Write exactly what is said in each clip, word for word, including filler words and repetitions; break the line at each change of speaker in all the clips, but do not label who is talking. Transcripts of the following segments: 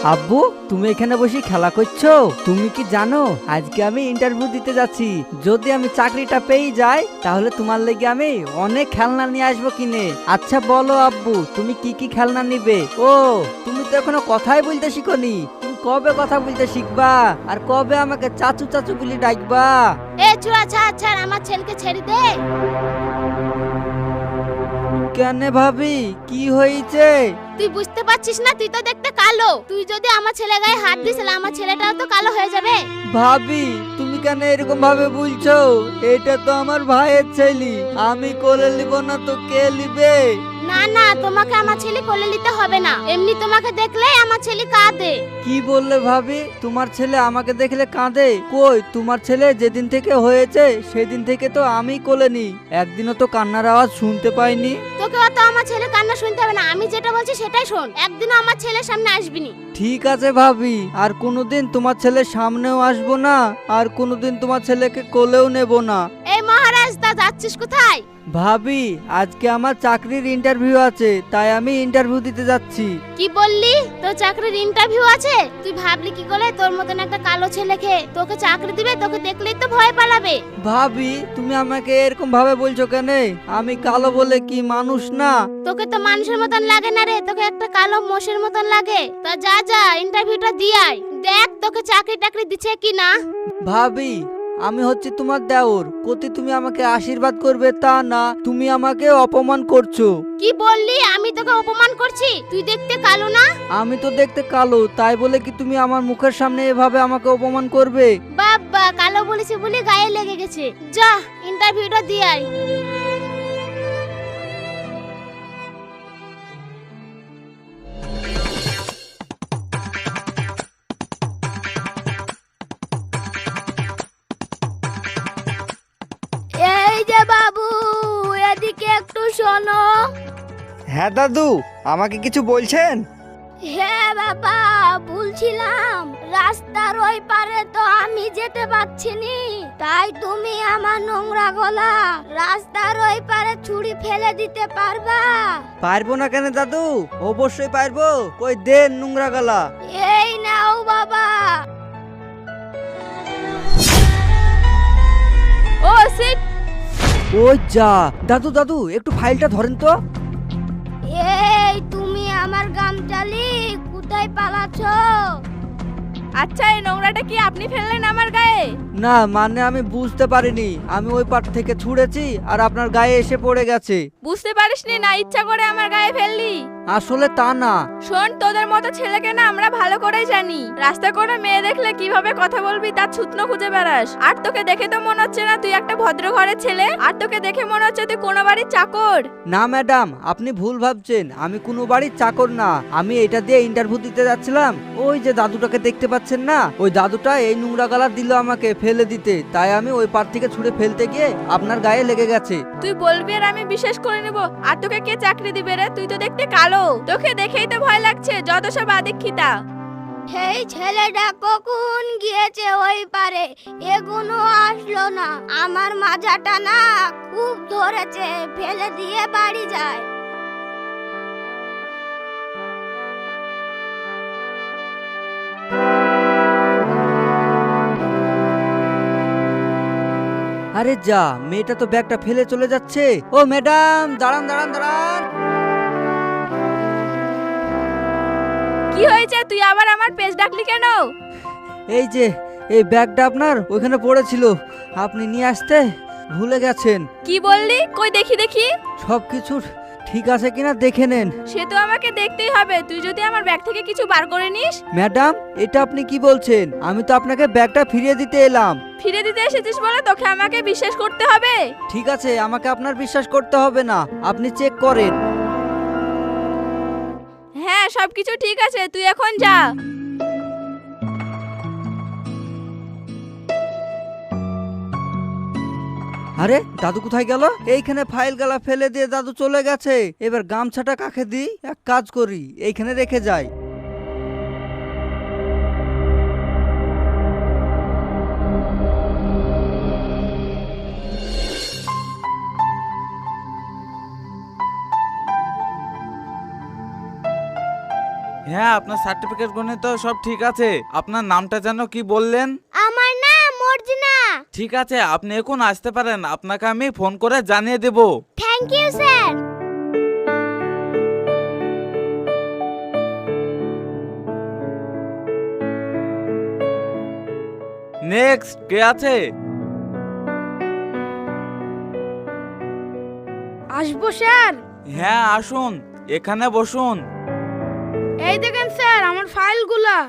আব্বু, তুমি এখানে বসে খেলা করছো? তুমি কি জানো আজকে আমি ইন্টারভিউ দিতে যাচ্ছি। যদি আমি চাকরিটা পেয়ে যাই তাহলে তোমার লেগে আমি অনেক খেলনা নিয়ে আসবো কিনে। আচ্ছা বলো আব্বু, তুমি কি কি খেলনা নিবে? ও, তুমি তো এখনো কথাই বলতে শিখোনি। তুমি কবে কথা বলতে শিখবা আর কবে আমাকে চাচু চাচু বলে ডাকবা?
এ চুরা ছাড় ছাড়, আমার ছেলেকে ছেড়ে দে।
কেন ভাবি, কি হয়েছে?
তুই বুঝতে পারছিস না? তুই তো দেখতে কালো। তুই যদি আমার ছেলে গায়ে হাত দিস তাহলে আমার ছেলেটাও তো কালো হয়ে যাবে।
ভাবি, তুমি কেন এরকম ভাবে বলছো? এটা তো আমার ভাইয়ের ছেলে, আমি কোলে নিব না তো কে নিবে?
না না, তোমাকে আমার ছেলে কোলে নিতে হবে না। এমনি তোমাকে দেখলে আমার ছেলে কাঁদে।
কি বললে ভাবি? তোমার ছেলে আমাকে দেখলে কাঁদে? কই, তোমার ছেলে যেদিন থেকে হয়েছে সেদিন থেকে তো আমি কোলে নি, একদিনও তো কান্নার আওয়াজ শুনতে পাইনি।
তোকে অত আমার ছেলে কান্না শুনতে হবে না, আমি যেটা বলছি সেটাই শোন। একদিনও আমার ছেলের সামনে আসবি নি।
ঠিক আছে ভাবি, আর কোনোদিন তোমার ছেলের সামনেও আসবো না, আর কোনোদিন তোমার ছেলেকে কোলেও নেব না।
এই মহারাজ, তা যাচ্ছিস কোথায়?
ভাবি, আজকে আমার চাকরির ইন্টারভিউ আছে, তাই আমি ইন্টারভিউ দিতে যাচ্ছি।
কি বললি? তোর চাকরির ইন্টারভিউ আছে? তুই ভাবলি কি করে তোর মতন একটা কালো ছেলেকে তোকে চাকরি দিবে? তোকে দেখলেই তো ভয় পালাবে।
ভাবি, তুমি আমাকে এরকম ভাবে বলছো কেন? আমি কালো বলে কি মানুষ না?
তোকে তো মানুষের মতন লাগে না রে, তোকে একটা কালো মোষের মতন লাগে। তা যা যা, ইন্টারভিউটা দিয়ে আয়, দেখ তোকে চাকরি টাকরি দিচ্ছে কি না।
ভাবি, আমি হচ্ছে তোমার দেওর, কতি তুমি আমাকে আশীর্বাদ করবে তা না, তুমি আমাকে অপমান করছো।
কি বললি? আমি তোকে অপমান করছি? তুই দেখতে কালো না?
আমি তো দেখতে কালো, তাই বলে কি তুমি আমার মুখের সামনে এভাবে আমাকে অপমান করবে?
বাবা, কালো বলেছি বলে গায়ে লেগে গেছে। যা, ইন্টারভিউটা দিয়ে আয়। এই যে বাবু, এদিকে একটু শোনো।
হ্যাঁ দাদু, আমাকে কিছু বলছেন?
হ্যাঁ বাবা, বলছিলাম রাস্তার ওই পারে তো আমি যেতে পারছি নি, তাই তুমি আমার নোংরা গলা রাস্তার ওই পারে ছুঁড়ি ফেলে দিতে পারবা?
পারবো না কেন দাদু, অবশ্যই পারবো। কই দেন নোংরা গলা।
এই নাও বাবা। ও সিট।
ওই যা, দাদু দাদু একটু ফাইলটা ধরেন তো।
এই তুমি আমার গামচালি কোথায় পালাছো?
আচ্ছা, এই নোংরাটা কি আপনি ফেললেন আমার গায়ে?
না মানে আমি বুঝতে পারিনি, আমি ওই পার থেকে ছুঁড়েছি আর আপনার গায়ে এসে পড়ে গেছে।
বুঝতে পারিসনি না, ইচ্ছা করে আমার গায়ে ফেললি?
আসলে তা না।
শোন, তোদের মতো ছেলেকে না আমরা ভালো করেই জানি। রাস্তা করে মেয়ে দেখলে কিভাবে কথা বলবি তার ছুতনো খুঁজে বেড়াস। আর তোকে দেখে তো মনে হচ্ছে না তুই একটা ভদ্র ঘরের ছেলে, আর তোকে দেখে মনে হচ্ছে তুই কোনো বাড়ির চাকর।
না ম্যাডাম, আপনি ভুল ভাবছেন, আমি কোনো বাড়ির চাকর না। আমি এটা দিয়ে ইন্টারভিউ দিতে যাচ্ছিলাম। ওই যে দাদুটাকে দেখতে পাচ্ছেন না, ওই দাদুটা এই নোংরা গালা দিল আমাকে ফেলে দিতে, তাই আমি ওই পার থেকে ছুঁড়ে ফেলতে গিয়ে আপনার গায়ে লেগে গেছে।
তুই বলবি আর আমি বিশ্বাস করে নেব? আর তোকে কে চাকরি দিবে রে? তুই তো দেখতে কালো, তোকে দেখেই তো ভয় লাগছে। যত সব আদিক্ষিতা।
এই ছেলেটা কখন গিয়েছে ওই পারে, এগুনো আসলো না। আমার মাজাটা না খুব ধরেছে, ফেলে দিয়ে বাড়ি যায়।
আরে যা, মেয়েটা তো ব্যাগটা ফেলে চলে যাচ্ছে। ও ম্যাডাম, দাঁড়ান দাঁড়ান দাঁড়ান।
কি হয়েছে? তুই আবার আমার পেজ ডাকলি কেন?
এই যে এই ব্যাগটা আপনার ওইখানে পড়েছিল, আপনি নিয়ে আসতে ভুলে গেছেন।
কি বললি? কই দেখি দেখি।
সবকিছু ঠিক আছে কিনা দেখে নেন।
সে তো আমাকে দেখতেই হবে। তুই যদি আমার ব্যাগ থেকে কিছু বার করে নিস।
ম্যাডাম, এটা আপনি কি বলছেন? আমি তো আপনাকে ব্যাগটা ফিরিয়ে দিতে এলাম।
ফিরে দিতে এসেছিস বলে তোকে আমাকে বিশ্বাস করতে হবে?
ঠিক আছে, আমাকে আপনার বিশ্বাস করতে হবে না, আপনি চেক করেন।
হ্যাঁ, সবকিছু ঠিক আছে, তুই এখন যা।
আরে দাদু কোথায় গেল? এইখানে ফাইল গালা ফেলে দিয়ে দাদু চলে গেছে। এবার গামছাটা কাকে দিই? এক কাজ করি, এইখানে রেখে যাই।
হ্যাঁ, আপনার সার্টিফিকেট গুলো তো সব ঠিক আছে। আপনার নামটা যেন কি বললেন?
আমার নাম মর্জিনা।
ঠিক আছে, আপনি এখন আসতে পারেন, আপনাকে আমি ফোন করে জানিয়ে দেব।
Thank you sir.
নেক্সট কে আছে?
আসবো স্যার?
হ্যাঁ আসুন, এখানে বসুন।
এই দেখেন স্যার আমার ফাইলগুলা।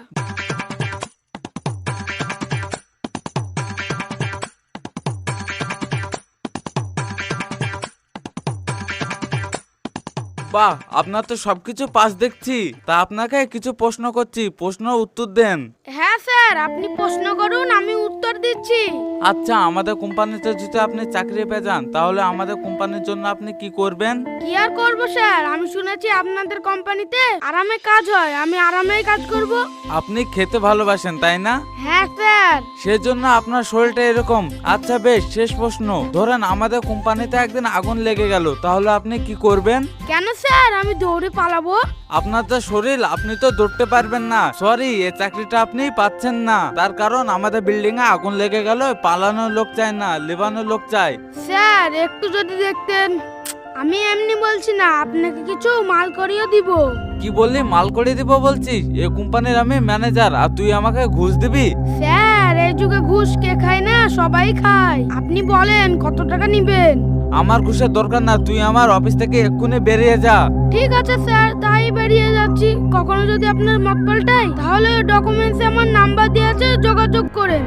বাহ, আপনার তো সবকিছু পাস দেখছি। তা আপনাকে কিছু প্রশ্ন করছি, প্রশ্ন উত্তর দেন।
হ্যাঁ স্যার, আপনি প্রশ্ন করুন, আমি উত্তর দিচ্ছি।
আচ্ছা, আমাদের কোম্পানিতে যদি আপনি চাকরি পেয়ে যান তাহলে আমাদের কোম্পানির জন্য আপনি কি করবেন?
কি আর করবো স্যার, আমি শুনেছি আপনাদের কোম্পানিতে আরামে কাজ হয়, আমি আরামেই কাজ করব।
আপনি খেতে ভালোবাসেন তাই না?
হ্যাঁ স্যার।
সেজন্য আপনার শরীরটা এরকম। আচ্ছা বেশ, শেষ প্রশ্ন, ধরেন আমাদের কোম্পানিতে একদিন আগুন লেগে গেল, তাহলে আপনি কি করবেন?
কেন স্যার, আমি দৌড়ে পালাবো।
আপনার তো শরীর, আপনি তো দৌড়তে পারবেন না। সরি, এই চাকরিটা আপনি পাচ্ছেন না। তার কারণ আমাদের বিল্ডিং এ আগুন লেগে গেল, পালানোর লোক চাই না, লেবানোর লোক চাই।
স্যার একটু যদি দেখতেন। আমি এমনি বলছি না, আপনাকে কিছু মাল করিয়ে দিব।
কি বললি, মাল করে দিব বলছিস? এই কোম্পানির আমি ম্যানেজার আর তুই আমাকে ঘুষ দিবি?
স্যার এই যুগে ঘুষ কে খায় না, সবাই খায়। আপনি বলেন কত টাকা নিবেন?
আমার ঘুষের দরকার না, তুই আমার অফিস থেকে এক্ষুনি বেরিয়ে যা।
ঠিক আছে স্যার, তাই বেরিয়ে যাচ্ছি। কখনো যদি আপনার মত পাল্টায় তাহলে ডকুমেন্টসে আমার নাম্বার দেওয়া আছে, যোগাযোগ করেন।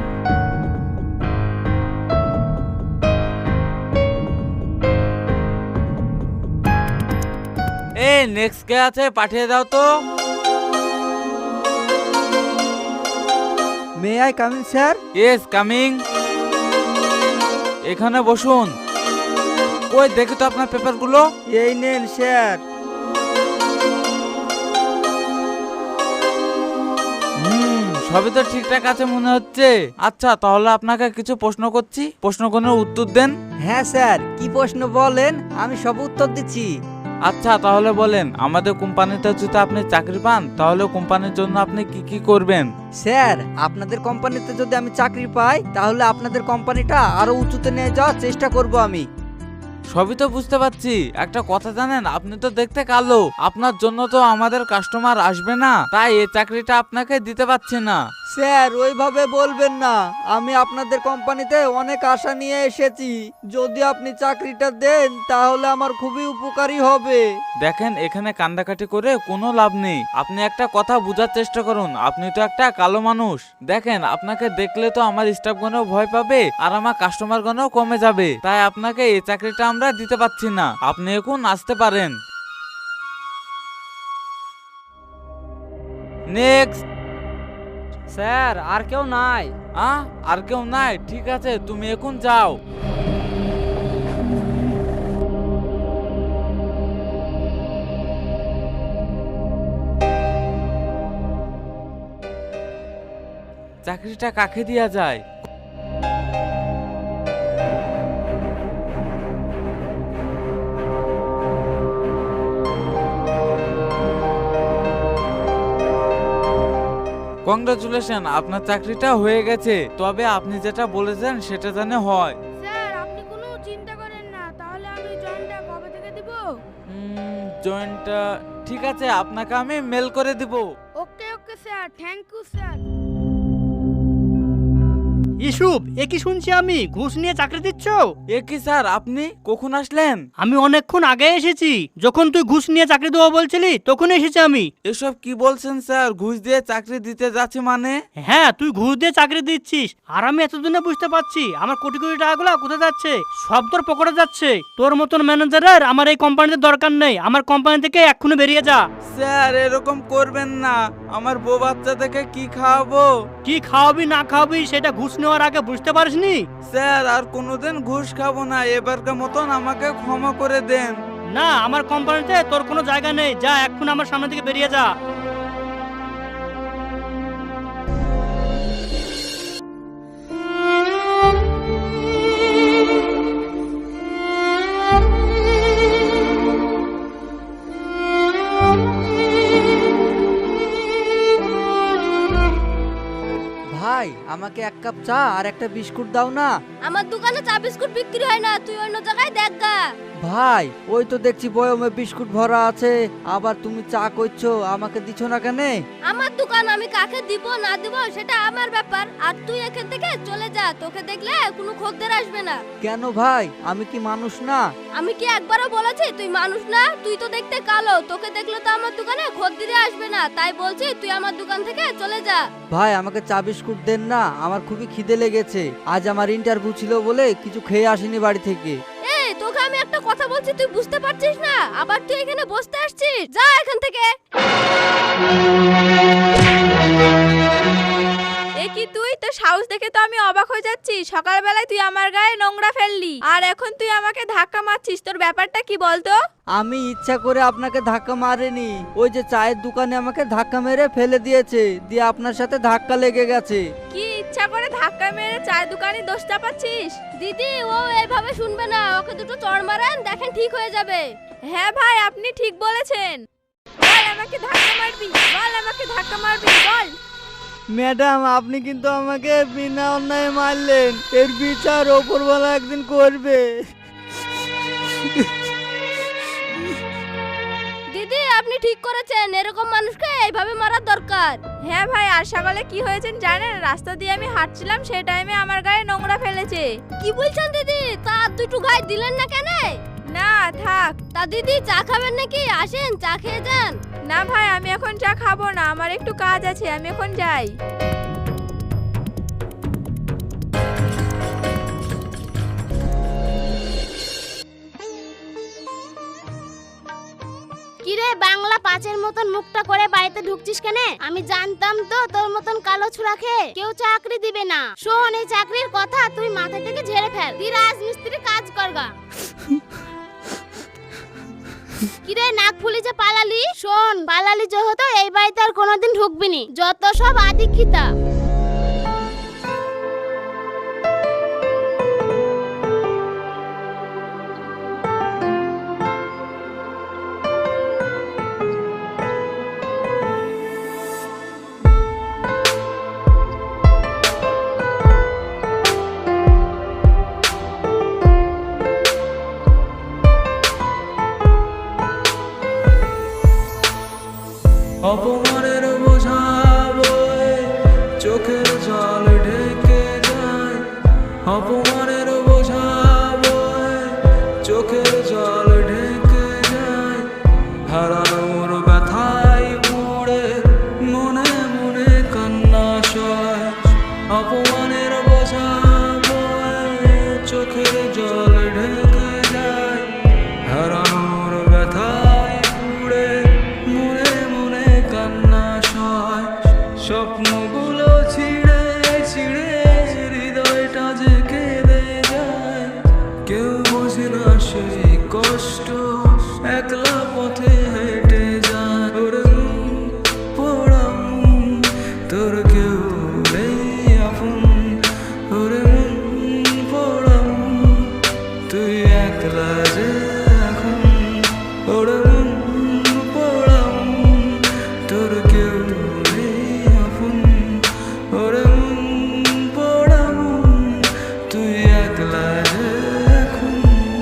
এই নেক্সট কে আছে, পাঠিয়ে দাও তো।
May I coming sir?
Yes coming. এখানে বসুন। ওই দেখি তো আপনার পেপারগুলো।
এই নেন স্যার।
হুম, সবই তো ঠিকঠাক আছে মনে হচ্ছে। আচ্ছা, তাহলে আপনাকে কিছু প্রশ্ন করছি, প্রশ্নগুলোর উত্তর দেন।
হ্যাঁ স্যার, কি প্রশ্ন বলেন, আমি সব উত্তর দিচ্ছি।
আচ্ছা তাহলে বলেন, আমাদের কোম্পানিতে যদি আপনি চাকরি পান তাহলে কোম্পানির জন্য আপনি কি কি করবেন?
স্যার, আপনাদের কোম্পানিতে যদি আমি চাকরি পাই তাহলে আপনাদের কোম্পানিটা আরো উঁচুতে নিয়ে যাওয়ার চেষ্টা করব আমি।
সবই তো বুঝতে পারছি, একটা কথা জানেন, আপনি তো দেখতে কালো, আপনার জন্য তো আমাদের কাস্টমার আসবে না, তাই এই চাকরিটা আপনাকে দিতে পারছি না।
স্যার ওইভাবে বলবেন না, আমি আপনাদের কোম্পানিতে অনেক আশা নিয়ে এসেছি। যদি আপনি চাকরিটা দেন তাহলে আমার খুবই উপকারী হবে।
দেখেন, এখানে কান্দাকাটি করে কোনো লাভ নেই। আপনি একটা কথা বোঝার চেষ্টা করুন, আপনি তো একটা কালো মানুষ। দেখেন, আপনাকে দেখলে তো আমার স্টাফগণও ভয় পাবে আর আমার কাস্টমারগণও কমে যাবে, তাই আপনাকে এই চাকরিটা আমরা দিতে পারছি না। আপনি এখন আসতে পারেন। নেক্সট।
স্যার আর কেউ নাই?
আ আর কেউ নাই? ঠিক আছে, তুমি এখন যাও। চাকরিটা কাকে দেয়া যায়? কংগ্রাচুলেশন, আপনার চাকরিটা হয়ে গেছে। তবে আপনি যেটা বলেছেন সেটা জানে হয়।
স্যার আপনি কোনো চিন্তা করেন না, তাহলে আমি জয়েনটা কবে থেকে দিব?
জয়েন্টটা ঠিক আছে, আপনাকে আমি মেল করে দিব।
Okay okay sir, thank you sir.
ইসুব, এ কি শুনছি আমি, ঘুষ নিয়ে চাকরি দিচ্ছ?
এ কি স্যার, আপনি কখন আসলেন?
আমি অনেকক্ষণ আগে এসেছি, যখন তুই ঘুষ নিয়ে চাকরি দেবো বলছিলি তখন এসেছি আমি।
এসব কি বলছেন স্যার, ঘুষ দিয়ে চাকরি দিতে যাচ্ছে মানে?
হ্যাঁ, তুই ঘুষ দিয়ে চাকরি দিচ্ছিস আর আমি এতদিনে বুঝতে পারছি আমার কোটি কোটি টাকাগুলো কোথায় যাচ্ছে। সব তোর পকেটে যাচ্ছে। তোর মতন ম্যানেজারের আমার এই কোম্পানিতে দরকার নেই। আমার কোম্পানি থেকে এক্ষুনি বেরিয়ে যা।
স্যার এরকম করবেন না, আমার বউ বাচ্চা থেকে কি খাওয়াবো?
কি খাওয়াবি না খাওয়াবি সেটা ঘুষ নেওয়ার আগে বুঝতে পারিসনি?
স্যার আর কোনোদিন ঘুষ খাবো না, এবারকার মতন আমাকে ক্ষমা করে দেন।
না, আমার কোম্পানিতে তোর কোনো জায়গা নেই। যা, এক্ষুনি আমার সামনে থেকে বেরিয়ে যা।
আমাকে এক কাপ চা আর একটা বিস্কুট দাও না।
আমার দোকানে চা বিস্কুট বিক্রি হয় না, তুই অন্য জায়গায় দেখ গা।
ভাই ওই তো দেখছি বয়মে বিস্কুট ভরা আছে, আবার তুমি চা করছো, আমাকে দিছ না কেন?
আমার দোকান, আমি কাকে দিব না দিব সেটা আমার ব্যাপার। আর তুই এখান থেকে চলে যা, তোকে দেখলে কোনো খদ্দের আসবে না।
কেন ভাই, আমি কি মানুষ না?
আমি কি একবারও বলেছি তুই মানুষ না? তুই তো দেখতে কালো, তোকে দেখলে তো আমার দোকানে খদ্দেরে আসবে না, তাই বলছি তুই আমার দোকান থেকে চলে যা।
ভাই আমাকে চা বিস্কুট দেন না, আমার খুবই খিদে লেগেছে। আজ আমার ইন্টারভিউ ছিল বলে কিছু খেয়ে আসিনি বাড়ি থেকে।
এই তোকে আমি একটা কথা বলছি, তুই বুঝতে পারছিস না? আবার তুই এখানে বসতে আসছিস, যা এখান থেকে।
এ কি তুই? তোর সাহস দেখে তো আমি অবাক হয়ে যাচ্ছি। সকালবেলায় তুই আমার গায়ে নোংরা ফেললি, আর এখন তুই আমাকে ধাক্কা মারছিস। তোর ব্যাপারটা কি বলতো?
আমি ইচ্ছা করে আপনাকে ধাক্কা মারিনি, ওই যে চায়ের দোকানে আমাকে ধাক্কা মেরে ফেলে দিয়েছে, দিয়ে আপনার সাথে ধাক্কা লেগে গেছে।
কি ইচ্ছা করে ধাক্কা মেরে চায়ের দোকানে দোষ চাপাচ্ছিস?
দিদি ও এইভাবে শুনবে না, ওকে দুটো চড় মারেন, দেখেন ঠিক হয়ে যাবে।
হ্যাঁ ভাই, আপনি ঠিক বলেছেন। বল আমাকে ধাক্কা মারবি, বল আমাকে ধাক্কা মারবি, বল।
ম্যাডাম আপনি কিন্তু আমাকে বিনা অন্যায় মারলেন, এর বিচার ওপরওয়ালা একদিন করবে।
দিদি আপনি ঠিক করেছেন, এরকম মানুষকে এইভাবে মারার দরকার।
হ্যাঁ ভাই, আর সকালে কি হয়েছেন জানেন? রাস্তা দিয়ে আমি হাঁটছিলাম, সেই টাইমে আমার গায়ে নোংরা ফেলেছে।
কি বলছেন দিদি? তা দুটো গায়ে দিলেন না কেন?
না থাক।
তা দিদি চা খাবেন নাকি? আসেন চা খেয়ে যান।
না ভাই, আমি এখন চা খাবো না, আমার একটু কাজ আছে, আমি এখন যাই।
কিরে বাংলা পাঁচের মতন মুখটা করে বাড়িতে ঢুকছিস কেন? আমি জানতাম তো তোর মতন কালো ছুরা খেয়ে কেউ চাকরি দিবে না। শোন, এই চাকরির কথা তুই মাথা থেকে ঝেড়ে ফেল, তুই রাজমিস্ত্রি কাজ করগা। কিরে নাক ফুলি যে পালালি? শোন, পালালি যেহেতু এই বাড়িতে আর কোনোদিন ঢুকবি নি, যত সব আদিক্ষিতা।
অপমানের বোঝা বয়ে চোখের জল ঢেকে যায়, অপমানের বোঝা বয়ে চোখের জল ঢেকে যায়, হারানোর ব্যথায় পুড়ে মনে মনে কান্না সয়, অপমানের বোঝা বয়ে চোখের জল ঢেকে যায়, হারানোর ব্যথায় পুড়ে মনে মনে কান্না সয়, স্বপ্নগুলো ছিঁড়ে ছিঁড়ে হৃদয়টা যে কেঁদে যায়, কেউ বোঝে না সেই কষ্ট, একলা পথে হেঁটে যায়, ওরে মন পোড়া মন, তোর কেউ নেই আপন, ওরে মন পোড়া মন, তুই একলা যে এখন, ওরে মন পোড়া মন, তোর কেউ নেই আপন, ওরে মন পোড়া মন, তুই একলা যে এখন।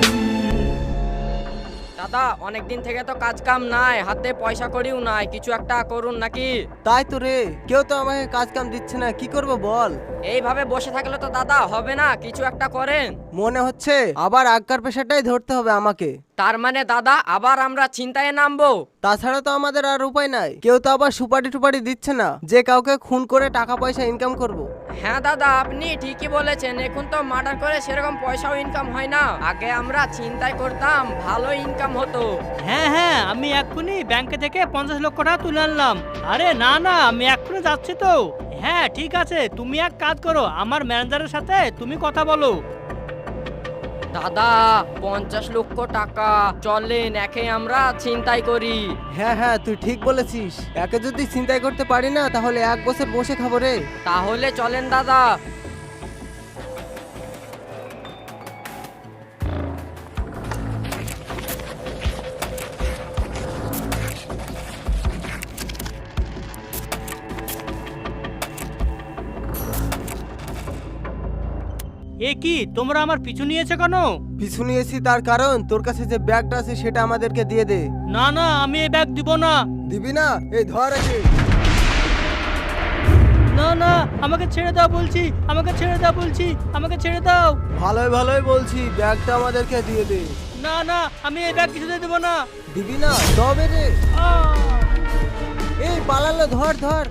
দাদা অনেকদিন থেকে তো কাজ কাম নাই, হাতে পয়সা করিও নাই, কিছু একটা করুন নাকি?
তাই তো রে, কেউ তো আমাকে কাজ কাম দিচ্ছে না, কি করব বল?
এইভাবে বসে থাকলে তো দাদা হবে না, কিছু একটা করেন।
মনে হচ্ছে আবার আগকার পেশাটাই ধরতে হবে আমাকে।
তার মানে দাদা আবার আমরা চিন্তায় নামবো?
তাছাড়া তো আমাদের আর উপায় নাই, কেউ তো আবার সুপারি টুপারি দিচ্ছে না যে কাউকে খুন করে টাকা পয়সা ইনকাম করব।
হ্যাঁ দাদা আপনি ঠিকই বলেছেন, এখন তো মার্ডার করে সেরকম পয়সাও ইনকাম হয় না, আগে আমরা চিন্তায় করতাম ভালো ইনকাম হতো।
হ্যাঁ হ্যাঁ, আমি এক্ষুনি ব্যাংকে থেকে পঞ্চাশ লক্ষ টাকা তুলে আনলাম। আরে না না, আমি এক্ষুনি যাচ্ছি তো। হ্যাঁ ঠিক আছে, তুমি এক কাজ করো, আমার ম্যানেজারের সাথে তুমি কথা বলো।
দাদা পঞ্চাশ লক্ষ টাকা, চলেন একে আমরা চিন্তাই করি।
হ্যাঁ হ্যাঁ, তুই ঠিক বলেছিস, একে যদি চিন্তাই করতে পারি না তাহলে এক বছর বসে খাবো রে।
তাহলে চলেন দাদা।
এ কি তোমরা আমার পিছু নিয়েছো কেন?
পিছু নিয়েছি তার কারণ তোর কাছে যে ব্যাগটা আছে সেটা আমাদেরকে দিয়ে দে।
না না, আমি এই ব্যাগ দিব না।
দিবি না? এই ধর আছে।
না না, আমাকে ছেড়ে দাও বলছি, আমাকে ছেড়ে দাও বলছি, আমাকে ছেড়ে দাও।
ভালোই ভালোই বলছি, ব্যাগটা আমাদেরকে দিয়ে দে।
না না, আমি এই ব্যাগ কিছুতে দেবো না।
দিবি না? তবে রে।
আহ!
এই পালালো, ধর ধর।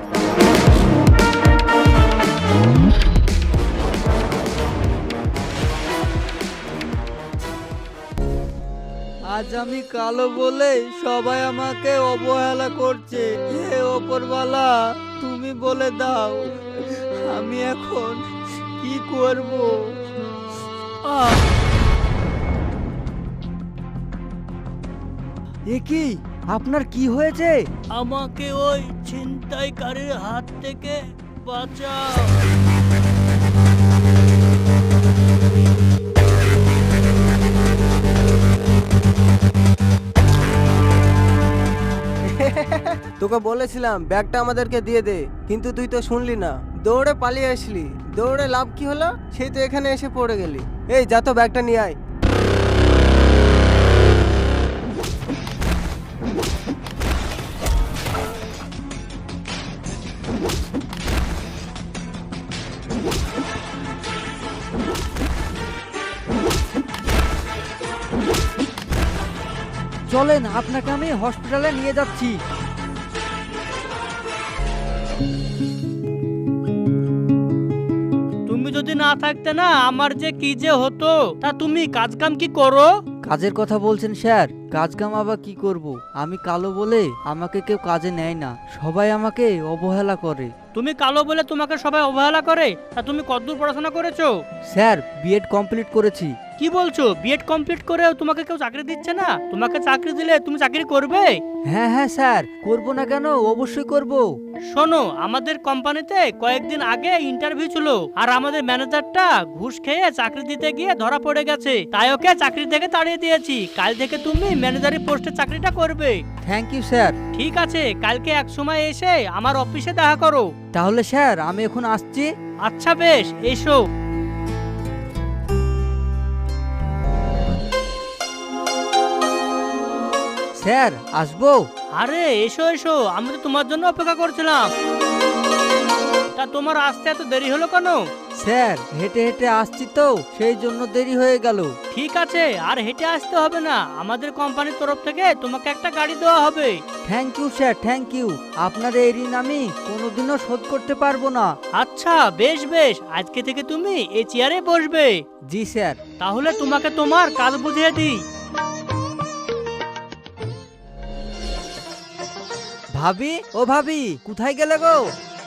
আজ আমি কালো বলে সবাই আমাকে অবহেলা করছে। হে ওপরওয়ালা, তুমি বলে দাও আমি এখন কি করব। আহ! এ কি, আপনার কি হয়েছে?
আমাকে ওই ছিনতাইকারীর হাত থেকে বাঁচাও।
তোকে বলেছিলাম ব্যাগটা আমাদেরকে দিয়ে দে, কিন্তু তুই তো শুনলি না, দৌড়ে পালিয়ে আসলি। দৌড়ে লাভ কি হলো? সেই তো এখানে এসে পড়ে গেলি। এই যা তো ব্যাগটা নিয়ে আয়।
চলেন, আপনাকে আমি হসপিটালে নিয়ে যাচ্ছি।
তুমি যদি না থাকতে না আমার যে কি যে হতো। তা তুমি কাজ কাম কি করো?
কাজের কথা বলছেন স্যার? কাজ কাম আবার কি করব? আমি কালো বলে আমাকে কেউ কাজে নেয় না, সবাই আমাকে অবহেলা করে।
তুমি কালো বলে তোমাকে সবাই অবহেলা করে? তা তুমি কতদূর পড়াশোনা করেছো?
স্যার, বিএড কমপ্লিট করেছি।
কি বলছো? বিএড কমপ্লিট করেও তোমাকে কেউ চাকরি দিচ্ছে না? তোমাকে চাকরি দিলে তুমি চাকরি করবে?
হ্যাঁ হ্যাঁ স্যার, করব না কেন? অবশ্যই করব।
শোনো, আমাদের কোম্পানিতে কয়েকদিন আগে ইন্টারভিউ ছিল, আর আমাদের ম্যানেজারটা ঘুষ খেয়ে চাকরি দিতে গিয়ে ধরা পড়ে গেছে, তাই ওকে চাকরি থেকে তাড়িয়ে দিয়েছি। কাল থেকে তুমি ম্যানেজারি পোস্টে চাকরিটা করবে।
Thank you sir.
ঠিক আছে, কালকে এক সময় এসে আমার অফিসে দেখা করো।
তাহলে স্যার আমি এখন আসছি।
আচ্ছা বেশ, এসো।
স্যার, আসবো?
আরে এসো এসো, আমি তো তোমার জন্য অপেক্ষা করছিলাম। তা তোমার আসতে এত দেরি হলো কেন?
স্যার, হেঁটে হেঁটে আসছি তো, সেই জন্য দেরি হয়ে গেল।
ঠিক আছে, আর হেঁটে আসতে হবে না, আমাদের কোম্পানির তরফ থেকে তোমাকে একটা গাড়ি দেওয়া হবে।
Thank you sir, thank you. আপনার এই ঋণ আমি কোনোদিনও শোধ করতে পারবো না।
আচ্ছা বেশ বেশ, আজকে থেকে তুমি এই চেয়ারে বসবে।
জি স্যার।
তাহলে তোমাকে তোমার কাজ বুঝিয়ে দিই।
ভাবি, ও ভাবি, কোথায় গেলে গো?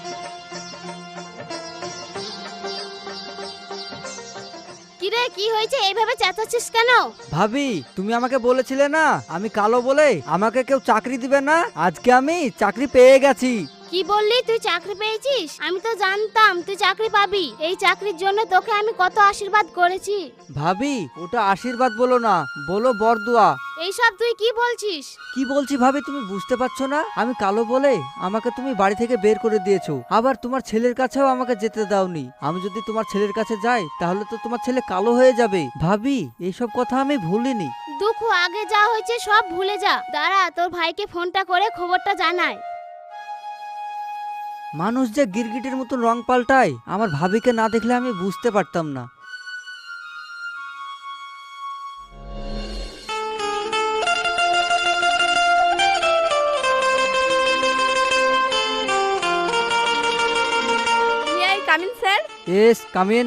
কিরে, কি হয়েছে? এইভাবে চেঁচাচ্ছিস কেন?
ভাবি, তুমি আমাকে বলেছিলে না আমি কালো বলে আমাকে কেউ চাকরি দিবে না? আজকে আমি চাকরি পেয়ে গেছি।
কি বললি? তুই চাকরি পেয়েছিস? আমি তো জানতাম তুই চাকরি পাবি। এই চাকরির জন্য তোকে আমি কত আশীর্বাদ করেছি।
ভাবি, ওটা আশীর্বাদ বলো না, বলো বরদুয়া।
এইসব তুই কি বলছিস?
কি বলছি ভাবি, তুমি বুঝতে পারছো না? আমি কালো বলে আমাকে তুমি বাড়ি থেকে বের করে দিয়েছো, আবার তোমার ছেলের কাছেও আমাকে যেতে দাওনি। আমি যদি তোমার ছেলের কাছে যাই তাহলে তো তোমার ছেলে কালো হয়ে যাবে। ভাবি, এইসব কথা আমি ভুলিনি।
দুঃখ আগে যা হয়েছে সব ভুলে যা। দাঁড়া, তোর ভাইকে ফোনটা করে খবরটা জানাই।
মানুষ যে গিরগিটির মতন রং পাল্টায়, আমার ভাবিকে না দেখলে আমি বুঝতে পারতাম না।
Come in sir.
Yes come in.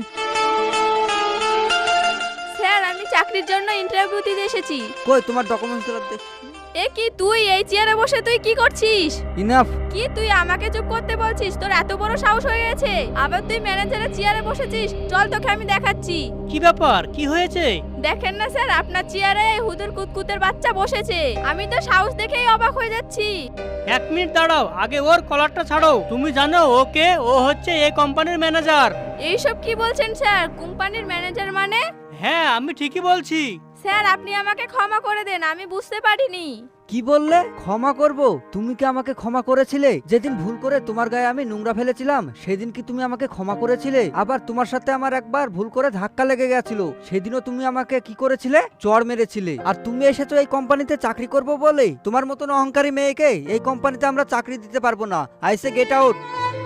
Sir, আমি চাকরির জন্য ইন্টারভিউ দিতে এসেছি।
কই তোমার ডকুমেন্টস গুলো?
এ কি, তুই এই চেয়ারে বসে তুই কি করছিস?
ইনাফ।
কি, তুই আমাকে চুপ করতে বলছিস? তোর এত বড় সাহস হয়ে গেছে? আবার তুই ম্যানেজারের চেয়ারে বসেছিস? চল তোকে আমি দেখাচ্ছি।
কি ব্যাপার, কি হয়েছে?
দেখেন না স্যার, আপনার চেয়ারে হুদুর কুতকুতের বাচ্চা বসেছে। আমি তো সাহস দেখেই অবাক হয়ে যাচ্ছি।
এক মিনিট দাঁড়াও, আগে ওর কলারটা ছাড়ো। তুমি জানো ওকে? ও হচ্ছে এই কোম্পানির ম্যানেজার।
এইসব কি বলছেন স্যার? কোম্পানির ম্যানেজার মানে?
হ্যাঁ, আমি ঠিকই বলছি।
স্যার, আপনি আমাকে ক্ষমা করে দেন, আমি বুঝতে পারিনি।
কি বললে? ক্ষমা করব? তুমি কি আমাকে ক্ষমা করেছিলে? যেদিন ভুল করে তোমার গায়ে আমি নোংরা ফেলেছিলাম সেদিন কি তুমি আমাকে ক্ষমা করেছিলে? আবার তোমার সাথে আমার একবার ভুল করে ধাক্কা লেগে গেছিল, সেদিনও তুমি আমাকে কি করেছিলে? চড় মেরেছিলে। আর তুমি এসেছো এই কোম্পানিতে চাকরি করব বলে? তোমার মতন অহংকারী মেয়েকে এই কোম্পানিতে আমরা চাকরি দিতে পারবো না। I say get out.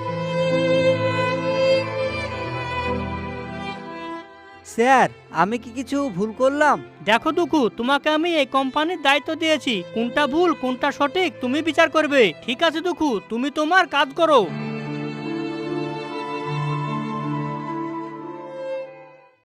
Sir, আমি কি কিছু ভুল করলাম?
দেখো দুঃখু, তোমাকে আমি এই কোম্পানির দায়িত্ব দিয়েছি, কোনটা ভুল কোনটা সঠিক তুমি বিচার করবে। ঠিক আছে দুঃখু, তুমি তোমার কাজ করো।